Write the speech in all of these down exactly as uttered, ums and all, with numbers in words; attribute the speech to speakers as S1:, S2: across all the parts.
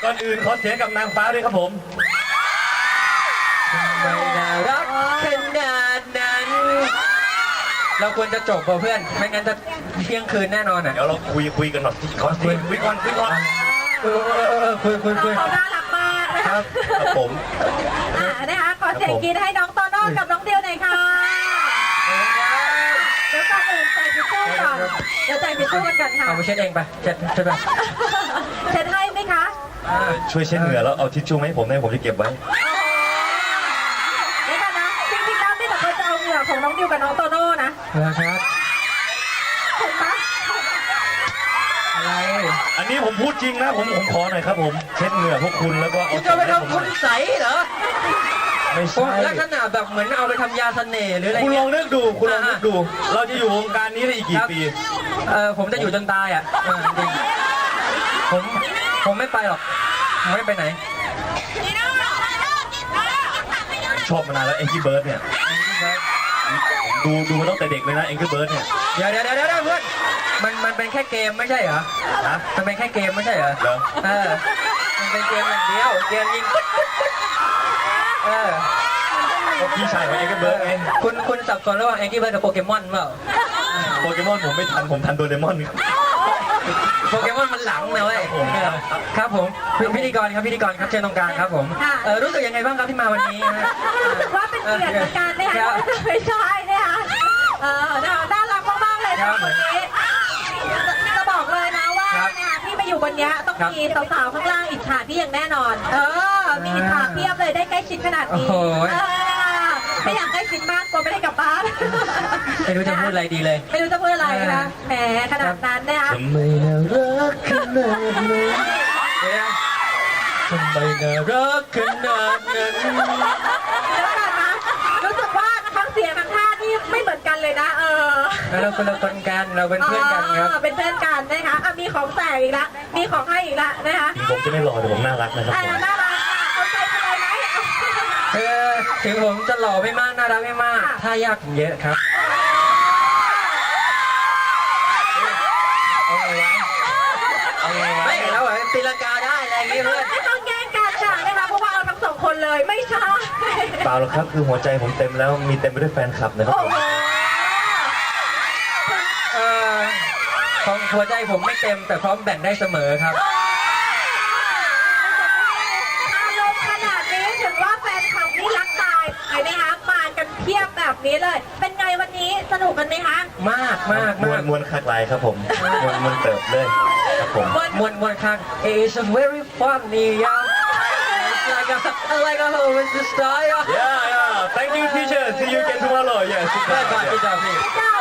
S1: ก่อนอื่นขอเสียงกับนางฟ้าด้วยครับผม
S2: ไม่น่ารักขนาดนั้นเราควรจะจบป่ะเพื่อนไม่งั้นจะเที่ยงคืนแน่นอนอ่ะ
S1: เดี๋ยวเราคุยคุยกันหน่อยขอคุยคุยก่อนคุยก่อน
S2: เออเออเออคุยคุยคุย
S3: เขาน่ารักมากนะคะ
S1: ครับผม
S3: อ่านะคะขอเสียงกรี๊ดให้น้องโตโน่กับน้องเดียวหน่อยค่ะเดี๋ยวก่อนอื่นใส่ทิชชู่ก่อนเดี๋ยวใส่ทิชชู่กันก่อนค่ะ
S2: เอาไปเช็ดเองไปเช็ดเช็ดไป
S3: เช็ดให้ไหมคะ
S1: ช่วยเช็ดเหงื่อแล้วเอาทิชชู่ให้ผมได้ผมจะเก็บไว้
S3: นี่ค่ะนะจริงๆแล้วนี่แต่เขาจะเอาเหงื่อของน้องดิวกับน้องโตโน่นะ
S2: นะครับ
S3: ถูกไหม
S2: อะไร
S1: อันนี้ผมพูดจริงนะผมผมขอหน่อยครับผมเช็ดเหงื่อพวกคุณแล้วก็เอา
S2: จะไปทำคุณใสเหรอ
S1: ไม่ใช่
S2: ลักษณะแบบเหมือนเอาไปทำยาเสน่ห์หรืออะไร
S1: คุณลองนึกดูคุณลองนึกดูเราจะอยู่วงการนี้ได้อีกกี่ปี
S2: เออผมจะอยู่จนตายอ่ะจริงผมผมไม่ไปหรอกผมไม่ไปไหน
S1: ชอบมานานแล้วเอ็งกี้เบิร์ดเนี่ยดูดูมาตั้งแต่เด็กเลยนะเอ็งกี้เบิร์ดเนี่ย
S2: เดี๋ยวเดี๋ยวเดี๋ยวเพื่อนมันมันเป็นแค่เกมไม่ใช่เหรอฮะมันเป็นแค่เกมไม่ใช่เหรอเออมันเป็นเกมอย่างเดียวเกมยิงเออ
S1: พี่ชายของเอ็งกี้เบิร์ดไง
S2: คุณคุณสับสนระหว่างเอ็งกี้เบิร์ดกับโปเกมอนเปล่า
S1: โปเกมอนผมไม่ทันผมทันโดเรมอน
S2: โปเกมอนมันหลังนะเว้ยครับผมพิธีกรครับพิธีกรครับเชิญตรงกลางครับผมเออรู้สึกยังไงบ้างครับที่มาวันนี้
S3: รู้สึกว่าเป็นเกียรติในการได้ค่ะไม่ใช่นะคะเออน่ารักมากๆเลยนะวันนี้จะบอกเลยนะว่าเนี่ยที่มาอยู่บนนี้ต้องมีสาวๆข้างล่างอิจฉาพี่อย่างแน่นอนเออมีอิจฉาเพียบเลยได้ใกล้ชิดขนาดนี้ไม่อยากใกล้ชิดมากกลัวไม่ได้กลับบ้าน
S2: ไม่รู้จะพูดอะไรดีเลย
S3: ไม่รู้จะพูดอะไรนะแหมขนาดนั้นนะคะ
S1: ทำไมน่ารักขนาดนั้น
S2: ทำไมน่ารักขนาดนั้น
S3: แล้วกันนะรู้สึกว่าทั้งเสียงทั้งท่านี่ไม่เหมือนกันเลยนะเออ
S2: เราคนละคนกันเราเป็นเพื่อนกันครับ
S3: เป็นเพื่อนกันนะคะมีของแจกอีกละมีของให้อีกละนะคะ
S1: ผมจะไม่รอแต่ผมน่ารักนะครับ
S3: น่ารักเอาใจไปเลยไหม
S2: เออถึงผมจะหล่อไม่มากน่ารักไม่มากถ้ายากผมเยอะครับไม่แล้วแบบตีลังกาได้อะไรอย่างเงี้ยเพื่อน
S3: ไม่ต้องแย่งกันค่ะนะคะเพราะว่าเอาทั้งสองคนเลยไม่ใช่
S1: เปล่าหรอกครับคือหัวใจผมเต็มแล้วมีเต็มไปด้วยแฟนคลับนะครับผม
S2: เออของหัวใจผมไม่เต็มแต่พร้อมแบ่งได้เสมอครับ
S3: อารมณ์ขนาดนี้ถึงว่าแฟนคลับนี่รักตายเห็นไหมคะมากันเพียบแบบนี้เลยเป็นไงวันนี้สนุกกันไหมคะ
S2: มากมาก
S1: มวนมวนคักลายครับผมมวนมวนเติบเลยครับผม
S2: มวนมวนคัก It's very funny yeah like a like a whole with the style
S1: yeah yeah thank you teacher see you again tomorrow yes
S2: ได้ป่ะพี่จ่าพี่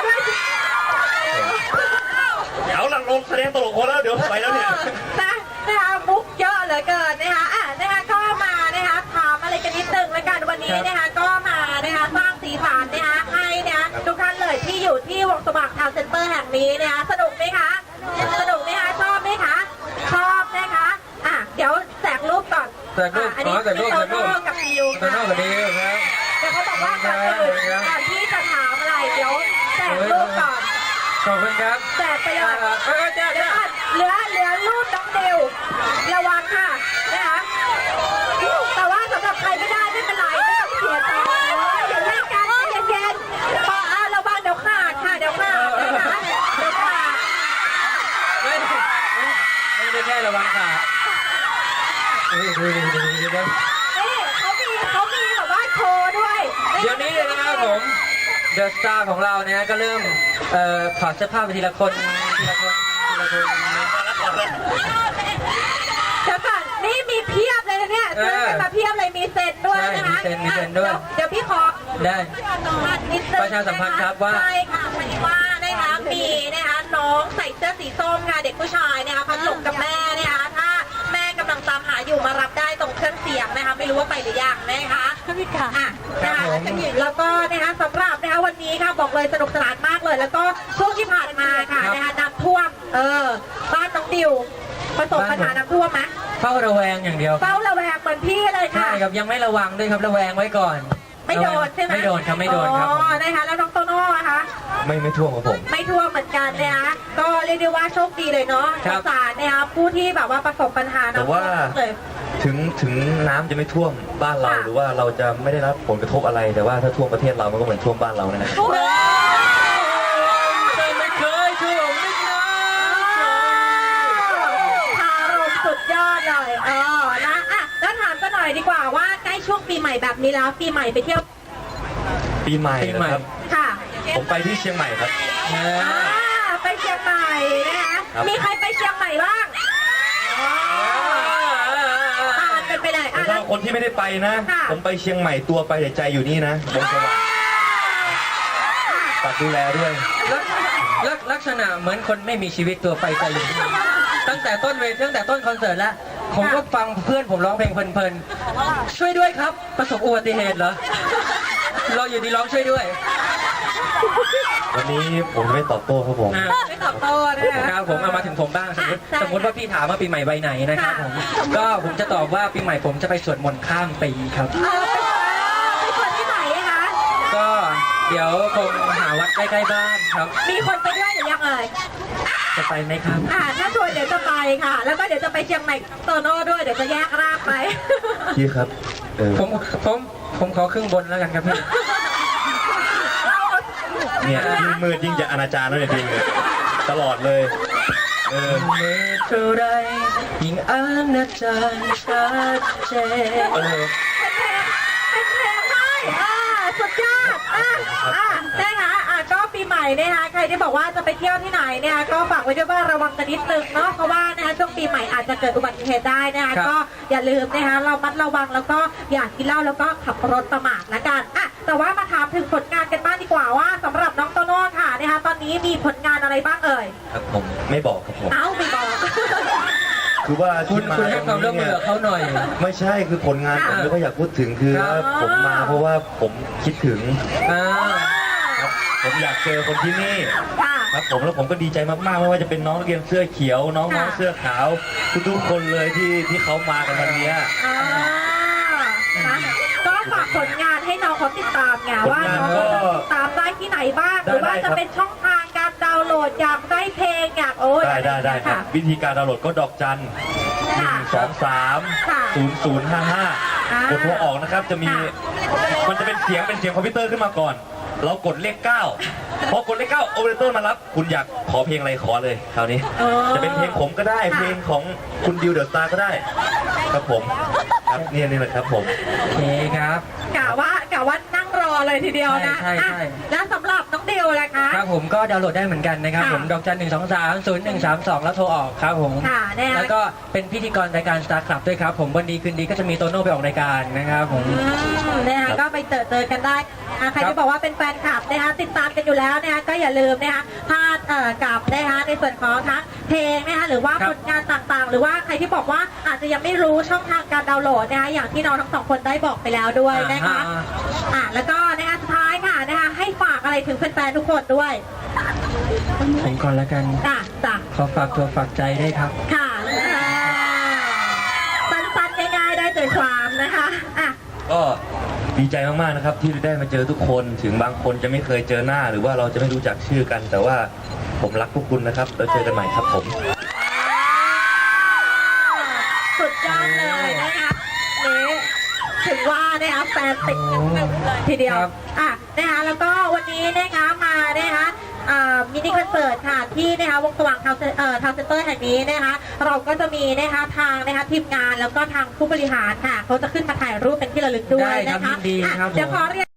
S1: เดี๋ยวหลังลงแสดงตลกคนแล้วเดี๋ยวไปแล้วเนี่ย
S3: นะนะคะมุกเยอะเหลือเกินนะคะอ่ะนะคะก็มานะคะถามอะไรกันนิดนึงแล้วกันวันนี้นะคะก็มานะคะสร้างสีสันนะคะให้นะคะทุกท่านเลยที่อยู่ที่วงสว่างทาวน์เซ็นเตอร์แห่งนี้นะคะสนุกไหมคะสนุกไหมคะชอบไหมคะชอบนะคะอ่ะเดี๋ยวแจกรูปก่อน
S2: แจกรูป
S3: อันนี้
S2: แจกรูปแจกรูป
S3: กับดิว
S2: โตโน่กับดิวครับ
S3: เดี๋ยวเขาบอกว่าก่อนอื่นก่อนที่จะถามอะไรเดี๋ยวแจกรูปก่อน
S2: ขอบคุณครับ
S3: แจกไปเลย
S2: เออแจก
S3: เหลือเหลือเหลือรูปน้องดิวระวังค่ะนะคะแต่ว่าสำหรับใครไม่ได้ไม่เป็นไรไม่ต้องเสียใจอย่าแยกกันเย็นๆพออ่ะระวังเดี๋ยวขาดค่ะเดี๋ยวขาดนะคะเดี๋ยวขาด
S2: ไม่ไม่ได้แค่ระวังขาดนี่ดูดูดูดูดู
S3: นี่เขามีเขามีแบบว่าโชว์ด้วย
S2: เดี๋ยวนี้เลยนะครับผมเดอะสตาร์ของเราเนี่ยก็เริ่มเอ่อถอดเสื้อผ้าไปทีละคนทีละคนทีละคน
S3: เดี๋ยวก่อนนี่มีเพียบเลยนะเนี่ยซื้อกันมาเพียบเลยมีเซ็นด้วยนะคะ
S2: มีเซ็นมีเซ็นด้วย
S3: เดี๋ยวพี่ขอ
S2: ได้ประชาสัมพันธ์ครับว่า
S3: ใช่ค่ะพอดีว่านะคะมีนะคะน้องใส่เสื้อสีส้มค่ะเด็กผู้ชายนะคะพัดหลงกับแม่นะคะถ้าแม่กำลังตามหาอยู่มารับได้ตรงเครื่องเสียงนะคะไม่รู้ว่าไปหรือยังนะคะพี่ค่ะอ่ะนะคะแล้วก็นะคะสำหรับนะคะวันนี้ค่ะบอกเลยสนุกสนานมากเลยแล้วก็ช่วงที่ผ่านมาค่ะนะคะน้ำท่วมเออบ้านน้องดิวประสบปัญหาน้ำท่วมไหม
S2: เฝ้าระแวงอย่างเดียว
S3: เฝ้าระแวงเหมือนพี่เลยค่ะ
S2: ใช่ครับยังไม่ระวังด้วยครับระแวงไว้ก่อน
S3: ไม่โดนใช่ไหม
S2: ไม่โดนครับไม่โดนครับ
S3: อ๋อนะคะแล้วน้องโตโน่นะคะ
S1: ไม่ไม่ท่วมครับผม
S3: ไม่ท่วมเหมือนกันนะคะก็เรียกได้ว่าโชคดีเลยเนาะ
S2: ครั
S3: ส
S2: บ
S3: งสารนะคะผู้ที่แบบว่าประสบปัญหา
S1: แต่ว่า
S3: น้ำท่เลย
S1: ถึงถึงน้ำจะไม่ท่วมบ้านเรา
S3: ค่ะ
S1: หรือว่าเราจะไม่ได้รับผลกระทบอะไร แต่ว่าถ้าท่วมประเทศเรามันก็เหมือนท่วมบ้านเรานะครับ
S3: โอ้โห
S2: ไม่เคยท่วมไม่เคย
S3: คารมสุดยอดเลยเออนะอ่ะแล้วถามกันหน่อยดีกว่าว่าใกล้ช่วงปีใหม่แบบนี้แล้วปีใหม่ไปเที่ยว
S1: ปีใหม่
S2: ปีใหม่
S1: นะครับ
S3: ค่ะ
S1: ผมไปที่เชียงใหม่ครับ
S2: อ่า
S3: อ่าไปเชียงใหม่นะคะ
S1: ครับ
S3: มีใครไปเชียงใหม่บ้างอ่าเป็นไปเลย
S1: แต่
S3: อ่ะ
S1: สำห
S3: แล้
S1: รั
S3: ว
S1: บคนที่ไม่ได้ไปนะ
S3: ค่ะ
S1: ผมไปเชียงใหม่ตัวไปแต่ใจอยู่นี่นะบนสวรรค์ฝากดูแลด้วย
S2: ลักลักลักษณะเหมือนคนไม่มีชีวิตตัวไปใจอยู่ตั้งแต่ต้นเวทตั้งแต่ต้นคอนเสิร์ตแล้ว ผมก็ฟังเพื่อนผมร้องเพลงเพลินๆช่วยด้วยครับ ประสบอุบัติเหตุเหรอเราอยู่ดีร้องช่วยด้วย
S1: วันนี้ผมจะไม่ตอบโต้ครับผม
S2: อ่า
S3: ไม่ตอบโต้นะคะ
S2: ครับผมเอามาถึงผมบ้างสมมติ
S3: อ่ะใช่
S2: สมมติว่าพี่ถามว่าปีใหม่ใบไหนนะครับ
S3: ค่ะ
S2: ผมก็ผมจะตอบว่าปีใหม่ผมจะไปสวดมนต์ข้ามปีครับ
S3: เออไปคนที่ไหนคะ
S2: ก็เดี๋ยวคงหาวัดใกล้ๆบ้านครับ
S3: มีคนไปด้วยหรือยังเอ่ย
S2: จะไปไหมครับ
S3: อ่าถ้าชวนเดี๋ยวจะไปค่ะ แล้วก็เดี๋ยวจะไปเชียงใหม่โตโน่ด้วย เดี๋ยวจะแยกร่างไป
S1: พี่ครับเออ
S2: ผมผมผมขอครึ่งบนแล้วกันครับพี่
S1: เนี่ยยิ่งมืดยิ่งจะอนาจารแล้วเนี่ยพี่เนี่ยตลอดเลยเออ
S2: เมื่อเท่าไรยิ่งอาณาจารชัดเจน
S1: เออ
S3: เป็นเพลงให้อ่าสุดยอดอ่ะอ่ะนะคะอ่ะก็ปีใหม่นะคะใครที่บอกว่าจะไปเที่ยวที่ไหนนะคะก็ฝากไว้ด้วยว่าระวังกันนิดนึงเนาะเพราะว่านะคะช่วงปีใหม่อาจจะเกิดอุบัติเหตุได้นะคะก็อย่าลืมนะคะเรามัดระวังแล้วก็อย่ากินเหล้าแล้วก็ขับรถประมาทละกันอ่ะแต่ว่ามาถามถึงผลงานกันบ้างดีกว่าว่าสำหรับน้องโตโน่ค่ะนะคะตอนนี้มีผลงานอะไรบ้างเอ่ย
S1: ครับผมไม่บอกครับผม
S3: เอ้าไม่บอก
S1: คือว่า
S2: คุ
S1: ที่
S2: ณ
S1: มา
S2: คุณให้ความร่วมมือกับเขาหน่อย
S1: ไม่ใช่คือผลงานผมไม่ค่อยอยากพูดถึงคือ
S2: ครับ
S1: ว่าผมมาเพราะว่าผมคิดถึง
S2: อ่า
S1: ครับผมอยากเจอคนที่นี่
S3: ค่ะ
S1: ครับผมแล้วผมก็ดีใจมากๆไม่ว่าจะเป็นน้องนักเรียนเสื้อเขียว น้องน้อง
S3: ค่ะ
S1: เสื้อขาวทุกๆคนเลยที่ที่เขามากันวันเนี้ย
S3: อ่านะก็ฝากผลงานให้น้องเขาติดตามไงว่าน้องเขาจะติดตามได้ที่ไหนบ้าง หรือว่าจะเป็นช่องทางการดาวน์โหลดอยากได้เพลงอยากโอ้ย
S1: ได้ได้ได้ครับ
S3: ะ
S1: วิธีการดาวน์โหลดก็ดอกจันหนึ่
S3: ค่ะ
S1: งสองสาม
S3: ค่ะ
S1: ศูนย์ศูนย์ห้าห้า
S3: อ่าก
S1: ดโทรออกนะครับจะมี
S3: ค่ะ
S1: มันจะเป็นเสียงเป็นเสียงคอมพิวเตอร์ขึ้นมาก่อน เรากดเลขเก้าพอกดเลขเก้าโอเปอเรเตอร์มารับ คุณอยากขอเพลงอะไรขอเลยคราวนี้
S3: อ๋อ
S1: จะเป็นเพลงผมก็ได้
S3: ค่ะ
S1: เพลงของคุณดิวเดอะสตาร์ก็ได้ ครับผมครับเนี่ยนี่แหละครับผม
S2: โอเคครับ
S3: กะว่ากะว่านั่งรอเลยทีเดียวนะ
S2: ใช่ใช่ใช่
S3: อ่ะแล้วสำหรับน้องเดียวล่ะคะ
S2: ครับผมก็ดาวน์โหลดได้เหมือนกันนะครับ
S3: ค่ะ
S2: ผมดอกจันหนึ่งสองสามศูนย์หนึ่งสามสองแล้วโทรออกครับผม
S3: ค่ะแน่
S2: แล้วก็เป็นพิธีกรรายการ Star Club ด้วยครับผมวันดีคืนดีก็จะมีโตโน่ไปออกรายการนะครับผม
S3: อืมนะคะก็ไปเจอเจอกันได้อ่ะใคร
S2: ครับ
S3: ที่บอกว่าเป็นแฟนคลับนะคะติดตามกันอยู่แล้วนะคะก็อย่าลืมนะคะพลาดเอ่อกับนะคะในส่วนของทั้งเพลงนะคะหรือว่า
S2: ครับ
S3: ผลงานต่างๆ หรือว่าใครที่บอกว่าอาจจะยังไม่รู้ช่องทางการดาวน์โหลดนะคะอย่างที่น้องทั้งสองคนได้บอกไปแล้วด้วยนะคะ
S2: อ่า
S3: อ่ะแล้วก็นะคะสุดท้ายค่ะนะคะให้ฝากอะไรถึงแฟนๆทุกคนด้วย
S2: ผมก่อนแล้วกัน
S3: จ้ะจ้ะ
S2: ขอฝากตัวฝากใจด้วยครับ
S3: ค่ะอ่าสั้นๆง่ายๆได้ใจความนะคะอ่ะ
S1: ก็ดีใจมากๆนะครับที่ได้มาเจอทุกคนถึงบางคนจะไม่เคยเจอหน้า หรือว่าเราจะไม่รู้จักชื่อกัน แต่ว่าผมรักพวกคุณนะครับแล้วเจอกันใหม่ครับผม
S3: สุดยอดเลยนะคะนี่ถึงว่านะคะแฟนติดกันหนึ่งเลยทีเดียว
S2: ครับ
S3: อ่ะนะคะแล้วก็วันนี้นะคะมานะคะอ่ามินิคอนเสิร์ตค่ะที่นะคะวงสว่างทาวน์เซ็นเอ่อทาวน์เซ็นเตอร์แห่งนี้นะคะเราก็จะมีนะคะทางนะคะทีมงานแล้วก็ทางผู้บริหารค่ะเขาจะขึ้นมาถ่ายรูปเป็นที่ระลึกด้วย
S2: ได้ครั
S3: นะ
S2: บ
S3: คะ
S2: ยินดี
S3: อ่ะ
S2: ครับผม
S3: เดี๋ยวขอเรียน